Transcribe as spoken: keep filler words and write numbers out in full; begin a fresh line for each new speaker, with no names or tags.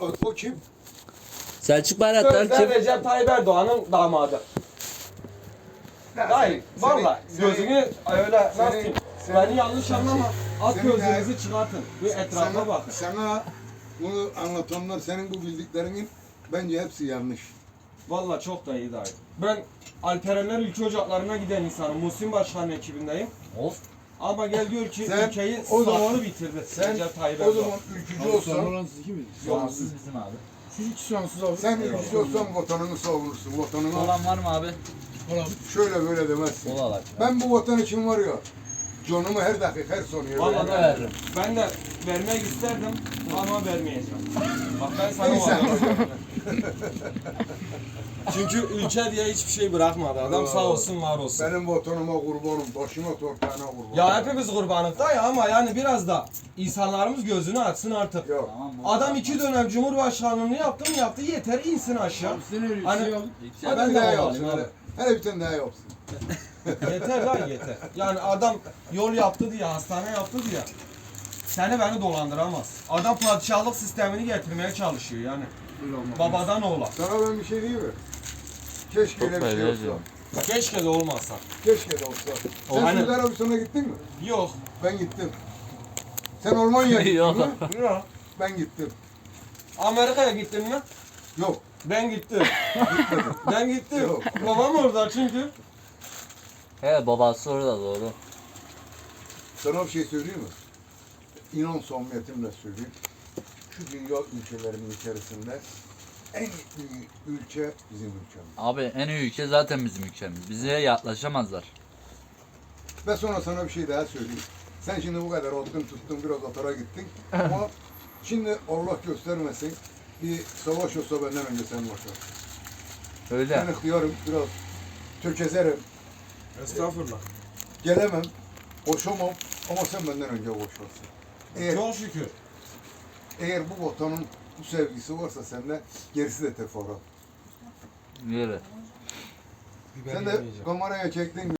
O, o kim?
Selçuk Bayraktar
Sözde
kim?
Recep Tayyip Erdoğan'ın damadı. Dayı valla gözünü öyle nasıl diyeyim? Beni yanlış anlama. At
senin
gözünüzü
de-
çıkartın. Bir etrafa
sana,
bakın.
sana bunu anlatanlar senin bu bildiklerinin bence hepsi yanlış.
Valla çok da iyi dayı. Ben Alperenler Ülke Ocakları'na giden insanım. Muhsin Başkan'ın ekibindeyim.
Of.
Ama gel gör ki
Sen
ülkeyi
o zaman-
sattı bitirdi.
Sen
Recep Tayyip
o
Erdoğan.
zaman ülkücü
Abi sonra
olsan,
olan siz ikimiz.
Soğansız bizim abi.
Siz iki soğansız abi.
sen ülkücü olsan vatanını savunursun. Vatanını
Olan var mı abi?
Olan.
şöyle böyle demezsin.
Kola var.
Ben bu vatan için var ya, canımı her dakika, her saniye
Vallahi
veririm.
da
veririm.
Ben de vermek isterdim ama vermeyeceğim. Bak ben sana
Neyse.
vallahi Çünkü ülke diye hiçbir şey bırakmadı. Adam sağ olsun var olsun.
Benim vatanıma kurbanım, başıma torpağına kurbanım.
Ya hepimiz kurbanız da ya ama yani biraz da insanlarımız gözünü açsın artık.
Yok.
Tamam mı?
Adam iki dönem cumhurbaşkanlığını yaptı mı yaptı yeter insin aşağı.
Abi sen öyle
Hani-
şey al.
Hadi
Ben
bir
de
daha
yapsın.
yapalım
Hele, hele bir tane daha yapsın.
Yeter lan yeter. Yani adam yol yaptı diye, hastane yaptı diye. Seni beni dolandıramaz. Adam padişahlık sistemini getirmeye çalışıyor yani.
Öyle olmaz.
Babadan oğula.
Sana ben bir şey diyeyim mi? Keşke öyle bir şey olsa.
Keşke de olmasa.
Keşke de olsa. Sen
Aynen.
Suudi Arabistan'a gittin mi?
Yok.
Ben gittim. Sen Almanya'ya gittin
Yok.
mi?
Yok.
Ben gittim.
Amerika'ya gittin mi?
Yok.
Ben gittim. ben gittim.
Yok.
Babam orada çünkü.
He babası orada doğru.
Sana bir şey söyleyeyim mi? İnan samimiyetimle söyleyeyim. Şu dünya ülkelerinin içerisinde en büyük ülke bizim ülkemiz.
Abi en iyi ülke zaten bizim ülkemiz. Bize yaklaşamazlar.
Ve sonra sana bir şey daha söyleyeyim. Sen şimdi bu kadar oldun tuttun biraz atara gittin. Ama şimdi Allah göstermesin bir savaş olsa benden önce sen başlarsın.
Öyle.
Ben ihtiyarım biraz tökezerim.
Estağfurullah.
Gelemem. Koşamam. Ama sen benden önce koşarsın. Eğer,
Çok şükür.
eğer bu vatanın bu sevgisi varsa sende gerisi de teferruat.
Yürü.
Biber
Sen de
yemeyeceğim.
kameraya çektin